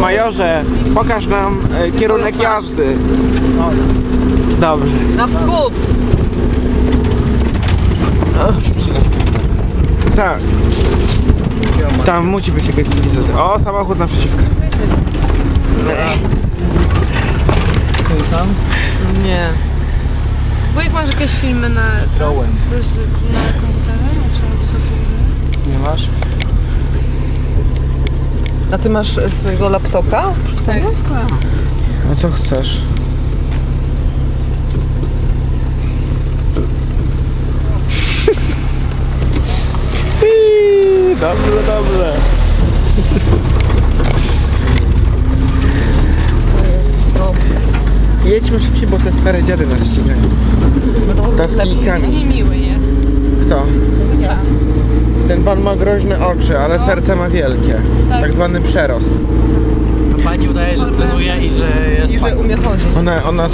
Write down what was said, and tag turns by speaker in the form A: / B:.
A: Majorze, pokaż nam kierunek jazdy. Dobrze.
B: Na wschód!
A: Tak. Tam musi być jakaś cywilizacja. O, samochód naprzeciwka.
C: Ten sam?
B: Nie.
D: Wujek, masz jakieś filmy na komputerze?
A: Nie masz?
B: A ty masz swojego laptopa?
D: Tak.
A: A co chcesz? Dobrze, dobrze. Jedźmy szybciej, bo te stare dziady nas ścigają. To z kijkami.
D: Niemiły jest.
A: Kto?
D: Ja.
A: Ten pan ma groźne oczy, ale serce ma wielkie. Tak zwany przerost.
C: A pani udaje, że trenuje i że jest
B: I że umie chodzić.
A: Ona